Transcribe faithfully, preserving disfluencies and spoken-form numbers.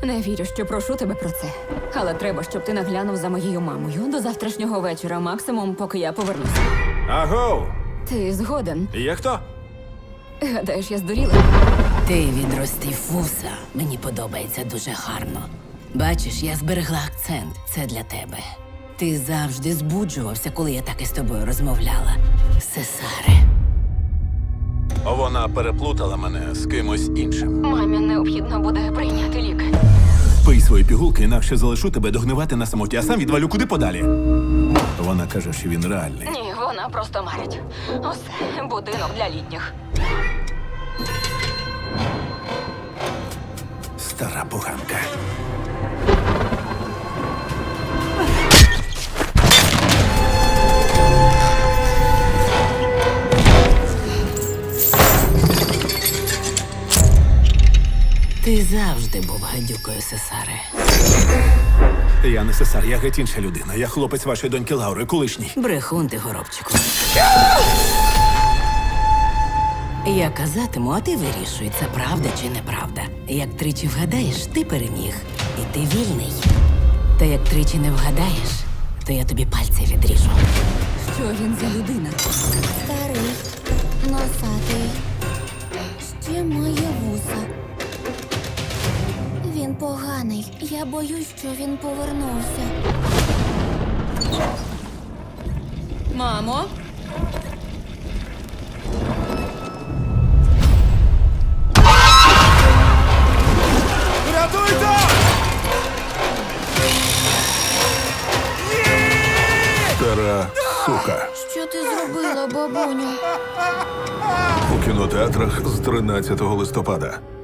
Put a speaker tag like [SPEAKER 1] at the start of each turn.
[SPEAKER 1] Не вірю, що прошу тебе про це. Але треба, щоб ти наглянув за моєю мамою до завтрашнього вечора, максимум, поки я повернуся.
[SPEAKER 2] Агоу!
[SPEAKER 1] Ти згоден?
[SPEAKER 2] Є хто?
[SPEAKER 1] Гадаєш, я здуріла?
[SPEAKER 3] Ти відростив вуса. Мені подобається дуже гарно. Бачиш, я зберегла акцент. Це для тебе. Ти завжди збуджувався, коли я так із тобою розмовляла. Сесаре.
[SPEAKER 2] Вона переплутала мене з кимось іншим.
[SPEAKER 1] Мамі необхідно буде прийняти ліки.
[SPEAKER 2] Пий свої пігулки, інакше залишу тебе догнивати на самоті, а сам відвалю куди подалі. Вона каже, що він реальний.
[SPEAKER 1] Ні, вона просто марить. Усе, будинок для літніх.
[SPEAKER 2] Стара поганка.
[SPEAKER 3] Ти завжди був гадюкою, Сесаре.
[SPEAKER 2] Я не сесар, я геть інша людина. Я хлопець вашої доньки Лаури, колишній.
[SPEAKER 3] Брехун ти, горобчику. Я казатиму, а ти вирішуй, це правда чи неправда. Як тричі вгадаєш, ти переміг. І ти вільний. Та як тричі не вгадаєш, то я тобі пальці відріжу.
[SPEAKER 1] Що він за людина?
[SPEAKER 4] Старий, носатий, ще має вуса. Він поганий. Я боюсь, що він повернувся.
[SPEAKER 1] Мамо?
[SPEAKER 2] Рятуйте! Стара сука.
[SPEAKER 4] Що ти зробила, бабуню?
[SPEAKER 2] У кінотеатрах з тринадцятого листопада.